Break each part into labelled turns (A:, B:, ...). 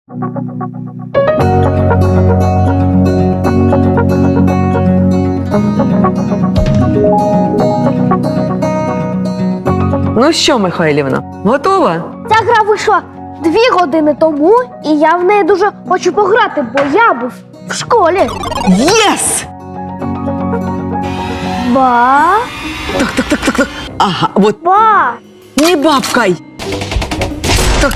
A: Ну що, Михайлівна, готова?
B: Ця гра вийшла 2 години тому, і я в неї дуже хочу пограти, бо я був в школі.
A: Єс!
B: Ба,
A: Так. Ага, от
B: ба.
A: не бабкай. Так,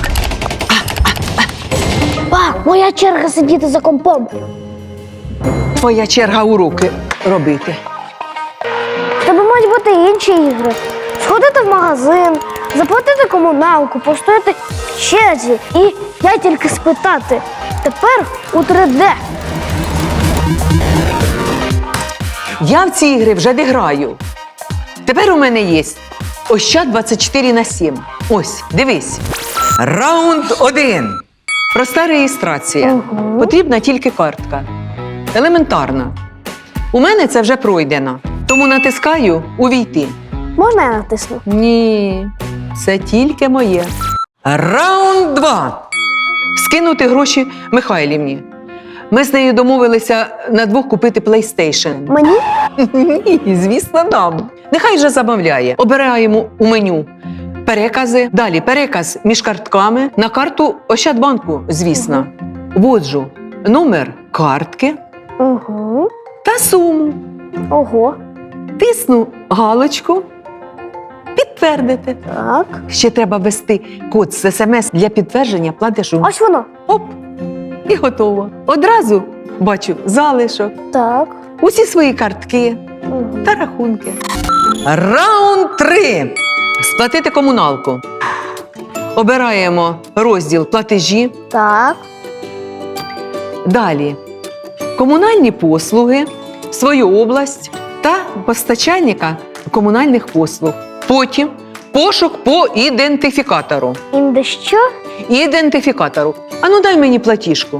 B: Ба, моя черга сидіти за компом.
A: твоя черга уроки робити.
B: В тебе мають бути інші ігри. Сходити в магазин, заплатити комуналку, постояти в черзі. І я тільки спитати. Тепер у 3D.
A: Я в ці ігри вже не граю. Тепер у мене є Ощад 24/7. Ось, дивись. Раунд 1. Проста реєстрація. Потрібна тільки картка. Елементарна. У мене це вже пройдено. Тому натискаю «Увійти».
B: Можна я натисну?
A: Ні, це тільки моє. Раунд 2. Скинути гроші Михайлівні. Ми з нею домовилися на 2 купити PlayStation.
B: Мені?
A: Ні, звісно, нам. Нехай же замовляє. Обираємо у меню перекази. Далі переказ між картками на карту Ощадбанку, звісно. Вводжу номер картки
B: Угу.
A: та суму.
B: Ого.
A: Тисну галочку. Підтвердити.
B: Так.
A: Ще треба ввести код з СМС для підтвердження платежу.
B: Ось воно.
A: Оп! І готово. Одразу бачу залишок,
B: Так.
A: усі свої картки
B: Угу.
A: та рахунки. Раунд 3. Сплатити комуналку. Обираємо розділ платежі.
B: Так.
A: Далі комунальні послуги, свою область та постачальника комунальних послуг. Потім пошук по ідентифікатору.
B: Інде що?
A: Ідентифікатору. Ану, дай мені платіжку.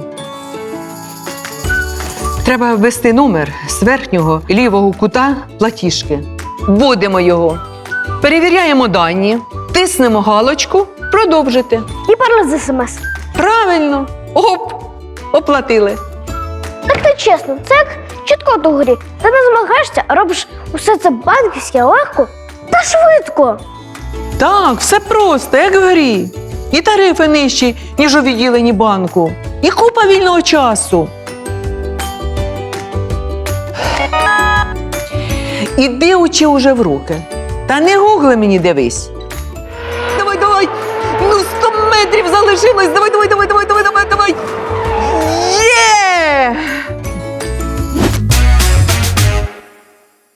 A: Треба ввести номер з верхнього лівого кута платіжки. Вводимо його. Перевіряємо дані, тиснемо галочку «Продовжити».
B: І пароль з СМС.
A: Правильно. Оп! Оплатили.
B: Так ти чесно, це як чіткот у грі. Ти не змагаєшся, а робиш усе це банківське легко та швидко.
A: Так, все просто, як в грі. І тарифи нижчі, ніж у відділенні банку. І купа вільного часу. Іди учи уже в руки. Та не гугли мені дивись. Давай. Ну, 100 метрів залишилось. Давай.